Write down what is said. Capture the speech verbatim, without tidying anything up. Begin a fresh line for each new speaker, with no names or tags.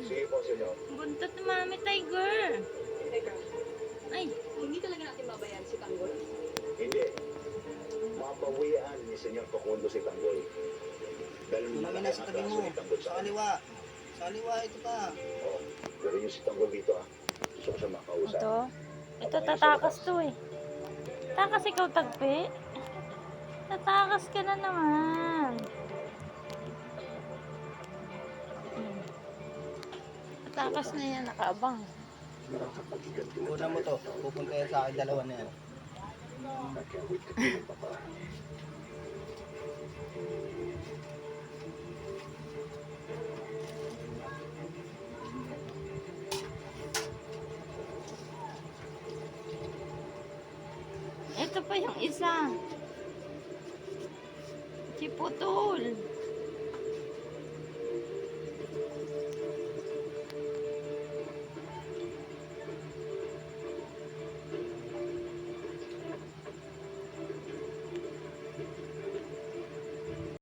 Sige po, senyor.
Buntot ni Mami Tiger.
Teka,
Ay,
hindi talaga natin mabayan si Tanggol.
Hindi. Mabawian ni senyor Facundo si Tanggol. Dahil
Tulungin na sa tabi mo.
ni Tanggol
Sa kaliwa. Sa kaliwa, ito pa.
Oo. Pero yung si Tanggol dito ah. Gusto ko siya makausap.
ito. Ito, tatakas to eh. Takas ikaw, Tagpi. Tatakas ka na naman. Hmm. Tatakas na yan, nakaabang.
Una mo to. Pupunta yan sa akin dalawa na yan.
Ito pa yung isa. Si Putol.